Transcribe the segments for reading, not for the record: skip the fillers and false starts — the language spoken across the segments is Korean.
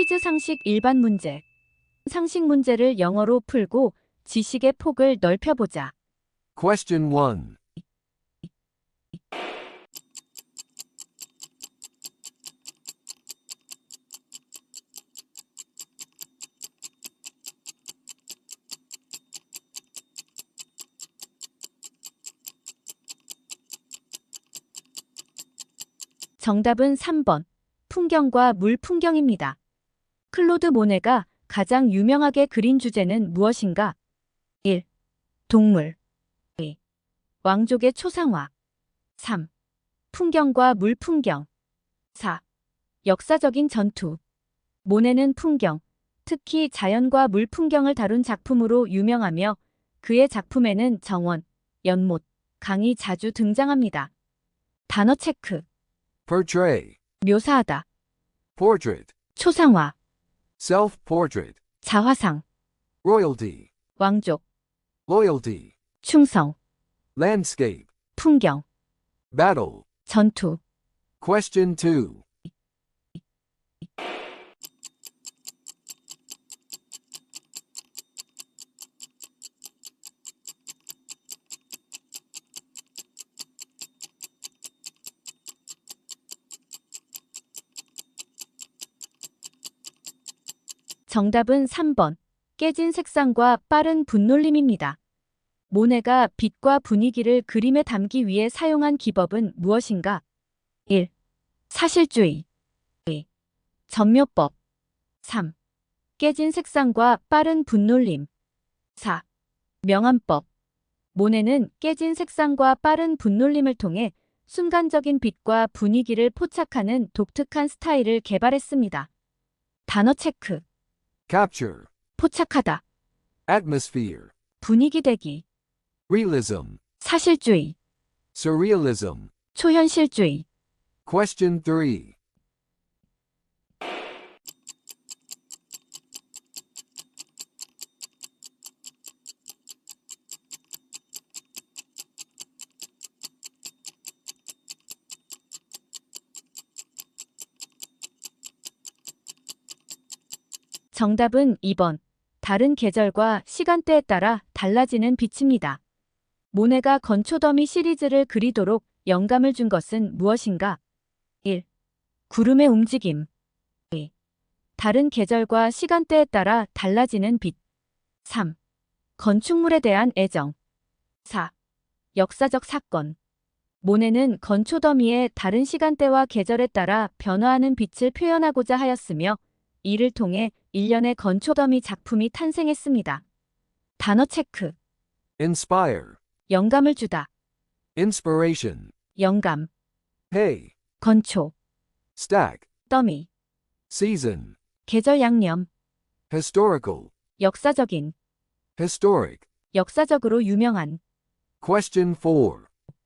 퀴즈 상식 일반 문제. 상식 문제를 영어로 풀고 지식의 폭을 넓혀보자. Question 1. 정답은 3번. 풍경과 물 풍경입니다. 클로드 모네가 가장 유명하게 그린 주제는 무엇인가? 1. 동물. 2. 왕족의 초상화. 3. 풍경과 물 풍경. 4. 역사적인 전투. 모네는 풍경, 특히 자연과 물 풍경을 다룬 작품으로 유명하며 그의 작품에는 정원, 연못, 강이 자주 등장합니다. 단어 체크. Portray. 묘사하다. Portrait. 초상화. Self-portrait. 자화상. Royalty. 왕족. Loyalty. 충성. Landscape. 풍경. Battle. 전투. Question 2. 정답은 3번. 깨진 색상과 빠른 분놀림입니다. 모네가 빛과 분위기를 그림에 담기 위해 사용한 기법은 무엇인가? 1. 사실주의. 2. 전묘법. 3. 깨진 색상과 빠른 분놀림. 4. 명암법. 모네는 깨진 색상과 빠른 분놀림을 통해 순간적인 빛과 분위기를 포착하는 독특한 스타일을 개발했습니다. 단어 체크. Capture. 포착하다. Atmosphere. 분위기 대기. Realism. 사실주의. Surrealism. 초현실주의. Question 3. 정답은 2번. 다른 계절과 시간대에 따라 달라지는 빛입니다. 모네가 건초더미 시리즈를 그리도록 영감을 준 것은 무엇인가? 1. 구름의 움직임. 2. 다른 계절과 시간대에 따라 달라지는 빛. 3. 건축물에 대한 애정. 4. 역사적 사건. 모네는 건초더미의 다른 시간대와 계절에 따라 변화하는 빛을 표현하고자 하였으며 이를 통해 일련의 건초더미 작품이 탄생했습니다. 단어 체크. Inspire. 영감을 주다. Inspiration. 영감. Hay. 건초. Stack. 더미. Season. 계절 양념. Historical. 역사적인. Historic. 역사적으로 유명한. Question 4.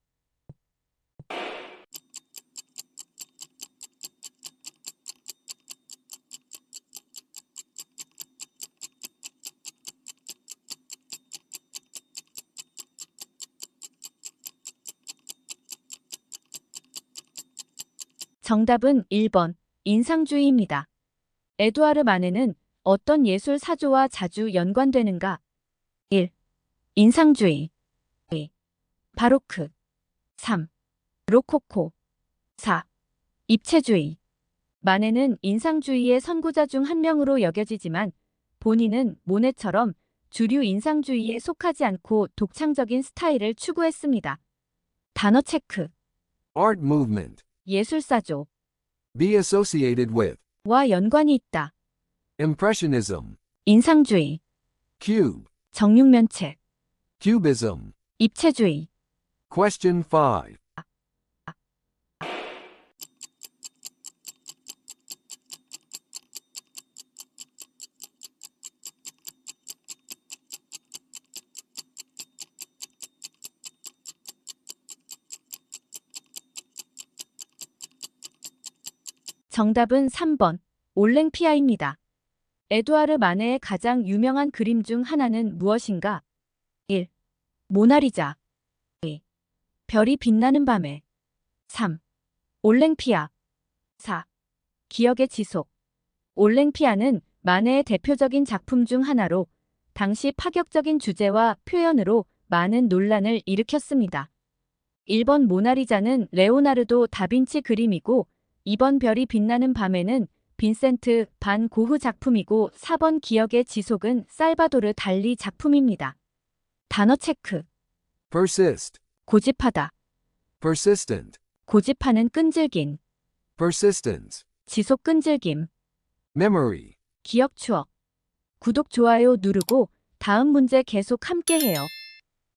정답은 1번. 인상주의입니다. 에두아르 마네는 어떤 예술 사조와 자주 연관되는가? 1. 인상주의. 2. 바로크. 3. 로코코. 4. 입체주의. 마네는 인상주의의 선구자 중 한 명으로 여겨지지만 본인은 모네처럼 주류 인상주의에 속하지 않고 독창적인 스타일을 추구했습니다. 단어 체크. Art movement. 예술사조. Be associated with. 와 연관이 있다. Impressionism. 인상주의. Cube. 정육면책. Cubism. 입체주의. Question 5. 정답은 3번. 올랭피아입니다. 에두아르 마네의 가장 유명한 그림 중 하나는 무엇인가? 1. 모나리자. 2. 별이 빛나는 밤에. 3. 올랭피아. 4. 기억의 지속. 올랭피아는 만해의 대표적인 작품 중 하나로 당시 파격적인 주제와 표현으로 많은 논란을 일으켰습니다. 1번 모나리자는 레오나르도 다빈치 그림이고 2번 별이 빛나는 밤에는 빈센트 반 고흐 작품이고 4번 기억의 지속은 살바도르 달리 작품입니다. 단어 체크. persist, 고집하다. persistent, 고집하는 끈질긴. persistence, 지속 끈질김. memory. 기억 추억. 구독 좋아요 누르고 다음 문제 계속 함께 해요.